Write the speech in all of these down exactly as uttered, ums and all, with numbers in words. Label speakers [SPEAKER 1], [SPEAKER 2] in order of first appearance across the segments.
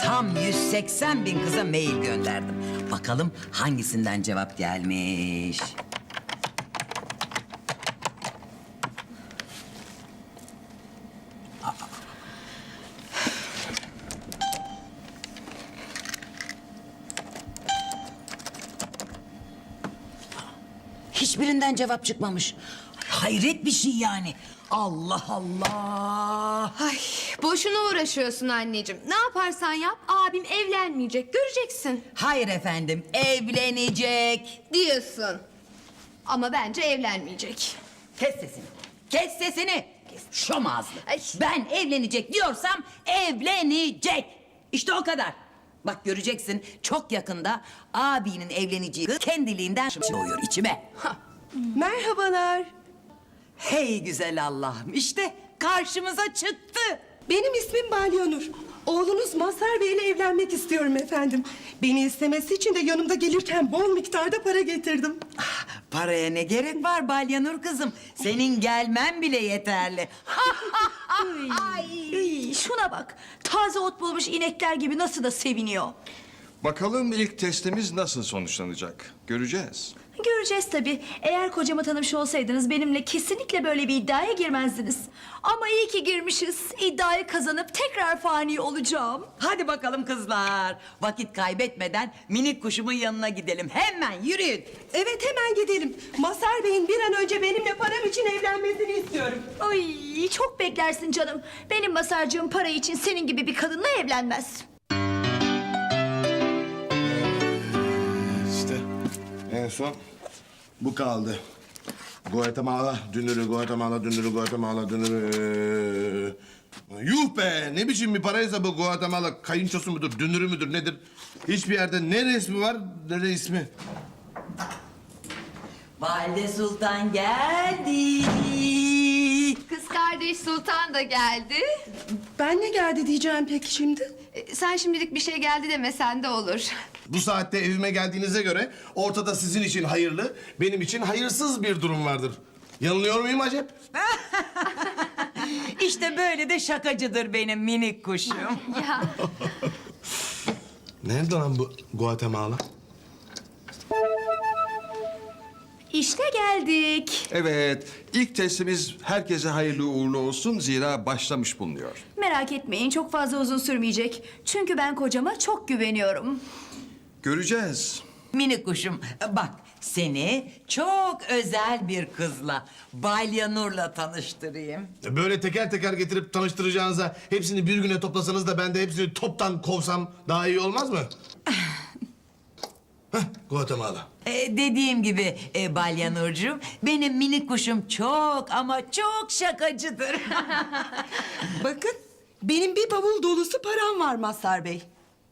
[SPEAKER 1] tam yüz seksen bin kıza mail gönderdim. Bakalım hangisinden cevap gelmiş. Hiçbirinden cevap çıkmamış. Hayret bir şey yani. Allah Allah.
[SPEAKER 2] Ay, boşuna uğraşıyorsun anneciğim. Ne yaparsan yap abim evlenmeyecek. Göreceksin
[SPEAKER 1] Hayır efendim, evlenecek.
[SPEAKER 2] diyorsun. Ama bence evlenmeyecek.
[SPEAKER 1] Kes sesini. Kes sesini. Şom ağızlı.
[SPEAKER 2] Ay.
[SPEAKER 1] Ben evlenecek diyorsam evlenecek. İşte o kadar. Bak göreceksin çok yakında abinin evleneceği kız kendiliğinden doğuyor içime.
[SPEAKER 3] Merhabalar.
[SPEAKER 1] Hey güzel Allah'ım işte karşımıza çıktı.
[SPEAKER 3] Benim ismim Balyanur. Oğlunuz Mazhar Bey ile evlenmek istiyorum efendim. Beni istemesi için de yanımda gelirken bol miktarda para getirdim.
[SPEAKER 1] Ah, paraya ne gerek var Balyanur kızım? Senin gelmen bile yeterli.
[SPEAKER 4] Ay, şuna bak. Taze ot bulmuş inekler gibi nasıl da seviniyor.
[SPEAKER 5] Bakalım ilk testimiz nasıl sonuçlanacak? Göreceğiz.
[SPEAKER 4] Göreceğiz tabii. Eğer kocamı tanımış olsaydınız benimle kesinlikle böyle bir iddiaya girmezdiniz. Ama iyi ki girmişiz. İddiayı kazanıp tekrar fani olacağım.
[SPEAKER 1] Hadi bakalım kızlar. Vakit kaybetmeden minik kuşumun yanına gidelim. Hemen yürüyün.
[SPEAKER 3] Evet hemen gidelim. Mazhar Bey'in bir an önce benimle param için evlenmesini istiyorum.
[SPEAKER 4] Ay, çok beklersin canım. Benim masarcığım para için senin gibi bir kadınla evlenmez.
[SPEAKER 6] İşte en son bu kaldı. Guatemala dünürü, Guatemala dünürü, Guatemala dünürü. Yuh be! Ne biçim bir paraysa bu Guatemala kayınçosu mudur, dünürü müdür nedir? Hiçbir yerde ne resmi var ne de ismi.
[SPEAKER 1] Valide Sultan geldi.
[SPEAKER 2] Kız kardeş Sultan da geldi.
[SPEAKER 3] Ben ne geldi diyeceğim peki şimdi?
[SPEAKER 2] E, sen şimdilik bir şey geldi demesen de olur.
[SPEAKER 6] Bu saatte evime geldiğinize göre ortada sizin için hayırlı, benim için hayırsız bir durum vardır. Yanılıyor muyum acep?
[SPEAKER 1] İşte böyle de şakacıdır benim minik kuşum.
[SPEAKER 2] Ya
[SPEAKER 6] Nerede lan bu Guatemala?
[SPEAKER 4] İşte geldik.
[SPEAKER 5] Evet, ilk testimiz herkese hayırlı uğurlu olsun zira başlamış bulunuyor.
[SPEAKER 4] Merak etmeyin, çok fazla uzun sürmeyecek. Çünkü ben kocama çok güveniyorum.
[SPEAKER 5] Göreceğiz.
[SPEAKER 1] Minik kuşum bak seni çok özel bir kızla Balyanur'la tanıştırayım.
[SPEAKER 6] Böyle teker teker getirip tanıştıracağınıza hepsini bir güne toplasanız da ben de hepsini toptan kovsam daha iyi olmaz mı? Heh, Guatemala.
[SPEAKER 1] Ee, dediğim gibi e, Balyanurcuğum benim minik kuşum çok ama çok şakacıdır.
[SPEAKER 3] Bakın benim bir bavul dolusu param var Mazhar Bey.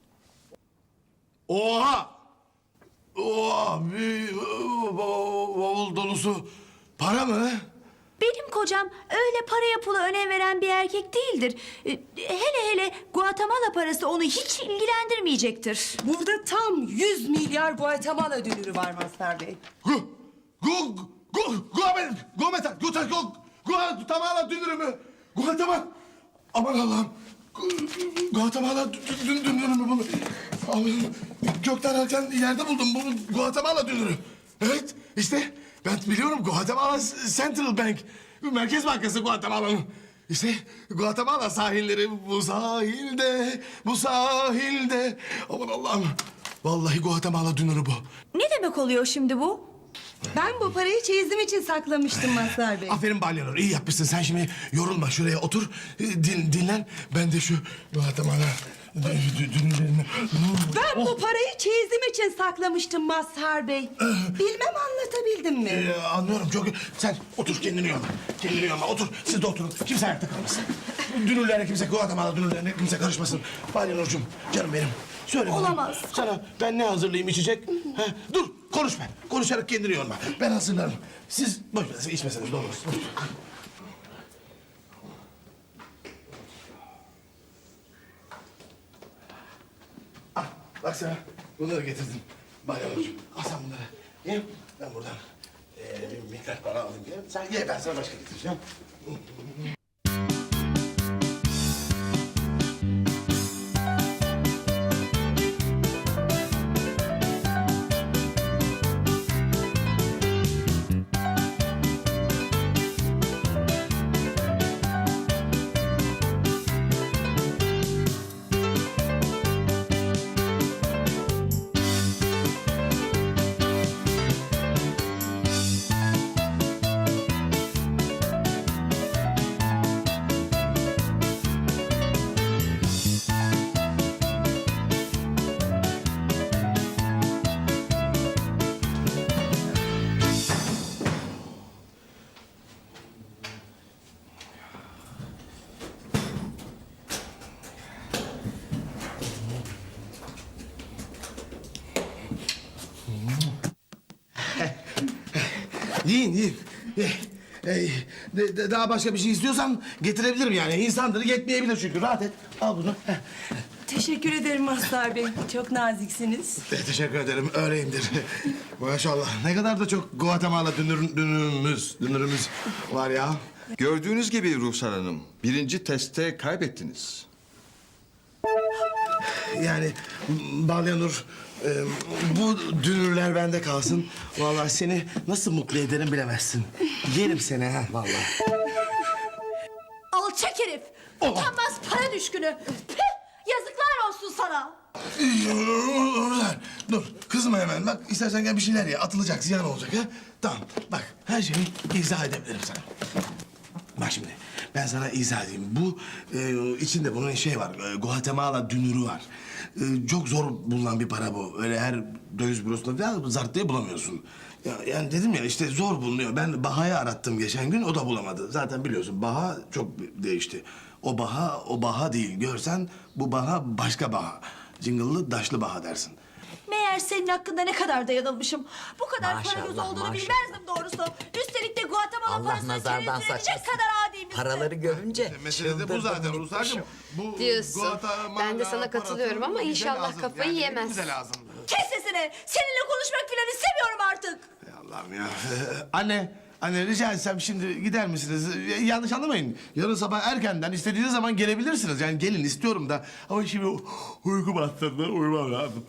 [SPEAKER 6] Oha! Oha! Bir bav- bavul dolusu para mı?
[SPEAKER 4] Benim kocam öyle paraya pula önem veren bir erkek değildir. Ee, Hele hele Guatemala parası onu hiç ilgilendirmeyecektir.
[SPEAKER 3] Burada tam yüz milyar Guatemala dönürü var Mazhar Bey.
[SPEAKER 6] Gu, gu, gu, guamet, guameta, guta, gu, Guatemala dünürü mü? Guatemala, aman Allah'ım. Gu- Guatemala dü- dü- dünürü mü bunu? Allah'ım, gökten erken yerde buldum bunu Guatemala dünürü. Evet, işte ben biliyorum Guatemala Central Bank. Merkez Bankası Guatemala'nın. İşte Guatemala sahilleri bu sahilde, bu sahilde. Aman Allah'ım. Vallahi Guatemala dünürü bu.
[SPEAKER 4] Ne demek oluyor şimdi bu?
[SPEAKER 3] Ben bu parayı çeyizim için saklamıştım Mazhar Bey.
[SPEAKER 6] Aferin Balyanur, iyi yapmışsın. Sen şimdi yorulma, şuraya otur, e, din, dinlen. Ben de şu Guatemala dü- dü- dünürlerini...
[SPEAKER 3] Ben bu parayı çeyizim için saklamıştım Mazhar Bey. Bilmem anlatabildim mi?
[SPEAKER 6] Ee, anlıyorum çok... Sen otur, kendini yorma. Kendini yorma, otur. Siz de oturun. Kimse ayakta kalmasın. Dünürlerine kimse, Guatemala dünürlerine kimse karışmasın. Balyanurcuğum, canım benim. Söyle bana.
[SPEAKER 4] Olamaz.
[SPEAKER 6] Sana ben ne hazırlayayım içecek? Ha? Dur, konuşma. Konuşarak kendini yorma. Ben hazırlarım. Siz boş ver, içmeseniz de olur. Ah, bak sana bunları getirdim. Balyanurcuğum, al sen bunları. Ye, ben buradan ee, bir miktar para alayım. Ye. Sen ye, ben sana başka getireceğim. Yiyin yiyin. Eh, eh, de- de- daha başka bir şey istiyorsan getirebilirim yani. İnsandır yetmeyebilir çünkü. Rahat et. Al bunu. Heh.
[SPEAKER 3] Teşekkür ederim Mazhar Bey. Çok naziksiniz.
[SPEAKER 6] Eh, teşekkür ederim. Öyleyimdir. Maşallah. Ne kadar da çok Guatemala dünür, dünürümüz, dünürümüz var ya.
[SPEAKER 5] Gördüğünüz gibi Ruhsar Hanım, birinci testte kaybettiniz.
[SPEAKER 6] Yani Balyanur, e, bu dünürler bende kalsın. Vallahi seni nasıl mutlu ederim bilemezsin. Yerim seni ha vallahi.
[SPEAKER 4] Alçak herif. Utanmaz para düşkünü. Püh, yazıklar olsun sana.
[SPEAKER 6] Dur, dur. Kızma hemen. Bak istersen gel bir şeyler ye. Atılacak, ziyan olacak ha. Tamam. Bak her şeyi izah edebilirim sana. Bak şimdi ben sana izah edeyim. Bu e, içinde bunun şey var. E, Guatemala dünürü var. E, çok zor bulunan bir para bu. Öyle her döviz bürosunda falan zart diye bulamıyorsun. Ya, yani dedim ya işte zor bulunuyor. Ben Baha'yı arattım geçen gün. O da bulamadı. Zaten biliyorsun Baha çok değişti. O Baha o Baha değil. Görsen bu Baha başka Baha. Cıngıllı daşlı Baha dersin.
[SPEAKER 4] Meğer senin hakkında ne kadar da yanılmışım. Bu kadar para göz
[SPEAKER 1] Maşallah,
[SPEAKER 4] olduğunu
[SPEAKER 1] maşallah.
[SPEAKER 4] bilmezdim doğrusu. Üstelik de Guatemala
[SPEAKER 1] Allah
[SPEAKER 4] parasını
[SPEAKER 1] nazardan
[SPEAKER 4] çevirtirecek
[SPEAKER 1] saçmasın.
[SPEAKER 4] kadar adiymişsin.
[SPEAKER 1] Paraları görünce
[SPEAKER 6] Mesele de bu
[SPEAKER 1] çıldırdım
[SPEAKER 6] zaten
[SPEAKER 1] gitmişim.
[SPEAKER 6] Ruslarcığım. Bu
[SPEAKER 2] Diyorsun.
[SPEAKER 6] Guatemala
[SPEAKER 2] Ben de sana katılıyorum ama
[SPEAKER 6] parası
[SPEAKER 2] inşallah
[SPEAKER 6] bize lazım.
[SPEAKER 2] kafayı
[SPEAKER 6] Yani
[SPEAKER 2] yemez.
[SPEAKER 6] Bize lazım.
[SPEAKER 4] Kes sesini. Seninle konuşmak falan istemiyorum artık.
[SPEAKER 6] Ey Allah'ım ya. Anne, anne rica etsem şimdi gider misiniz? Ya- Yanlış anlamayın. Yarın sabah erkenden istediğiniz zaman gelebilirsiniz. Yani gelin istiyorum da. Ama şimdi u- uyku bastırdı. Uyumam lazım.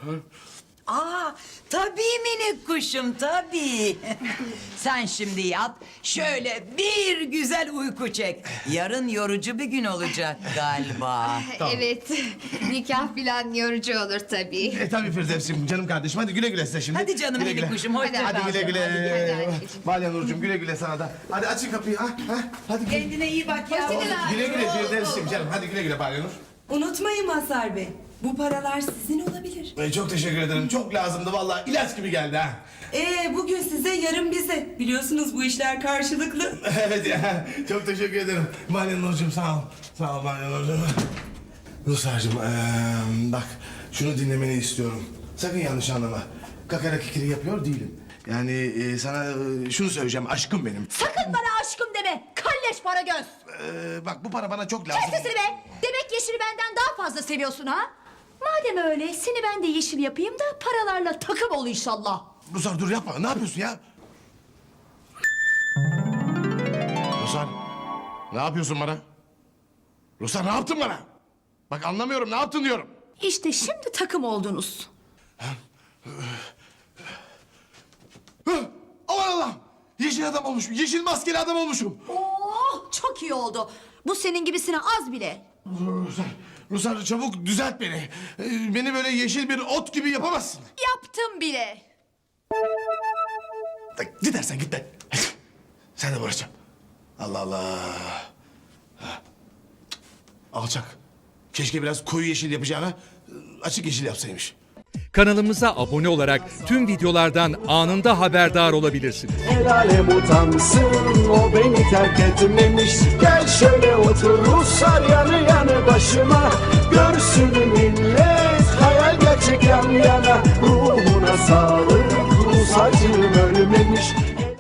[SPEAKER 1] Aa, tabii minik kuşum, tabii. Sen şimdi yat, şöyle bir güzel uyku çek. Yarın yorucu bir gün olacak galiba.
[SPEAKER 2] Evet. Nikah falan yorucu olur tabii.
[SPEAKER 6] E tabii Firdevs'im canım kardeşim. Hadi güle güle size şimdi.
[SPEAKER 1] Hadi canım
[SPEAKER 6] Güle
[SPEAKER 1] minik
[SPEAKER 6] güle.
[SPEAKER 1] kuşum, hoşça
[SPEAKER 2] Hadi,
[SPEAKER 1] kal.
[SPEAKER 6] Hadi güle güle.
[SPEAKER 2] Hadi, hadi anneciğim.
[SPEAKER 6] Balya Nurcuğum güle güle sana da. Hadi açın kapıyı ha. ha. Hadi güle
[SPEAKER 1] Kendine iyi bak ya.
[SPEAKER 6] güle, güle Firdevs'im canım. Hadi güle güle Balya Nur.
[SPEAKER 3] Unutmayın Mazhar Bey. Bu paralar sizin olabilir.
[SPEAKER 6] E, çok teşekkür ederim. Çok lazımdı vallahi. İlaç gibi geldi ha.
[SPEAKER 3] Ee, bugün size, yarın bize. Biliyorsunuz bu işler karşılıklı.
[SPEAKER 6] Evet ya. Çok teşekkür ederim. Balya Nurcuğum sağ ol. Sağ ol Balya Nurcuğum. Ruslarcığım eee, bak şunu dinlemeni istiyorum. Sakın yanlış anlama. Kakara kikiri yapıyor değilim. Yani e, sana e, şunu söyleyeceğim. Aşkım benim.
[SPEAKER 4] Sakın bana aşkım deme. Kalleş para göz.
[SPEAKER 6] Eee, bak bu para bana çok lazım.
[SPEAKER 4] Kes sesini be. Demek Yeşil'i benden daha fazla seviyorsun ha? Madem öyle seni ben de Yeşil yapayım da paralarla takım ol inşallah.
[SPEAKER 6] Ruslar dur yapma. Ne yapıyorsun ya? Ruslar ne yapıyorsun bana? Ruslar ne yaptın bana? Bak anlamıyorum ne yaptın diyorum.
[SPEAKER 4] İşte şimdi takım oldunuz.
[SPEAKER 6] Hı, aman Allah'ım. Yeşil adam olmuşum. Yeşil maskeli adam olmuşum.
[SPEAKER 4] Oh çok iyi oldu. Bu senin gibisine az bile.
[SPEAKER 6] Ruslar, Ruslar çabuk düzelt beni. Ee, Beni böyle yeşil bir ot gibi yapamazsın.
[SPEAKER 4] Yaptım bile.
[SPEAKER 6] Gidersen git be. Sen de uğraşacağım. Allah Allah. Ha. Alçak. Keşke biraz koyu yeşil yapacağına açık yeşil yapsaymış.
[SPEAKER 7] Kanalımıza abone olarak tüm videolardan anında haberdar olabilirsiniz.
[SPEAKER 8] El alem utansın o beni terk etmemiş. Gel şöyle otur Ruslar yanı yanı başıma. Görsün millet hayal gerçek yan yana. Ruhuna sağlık Rus acım ölmemiş.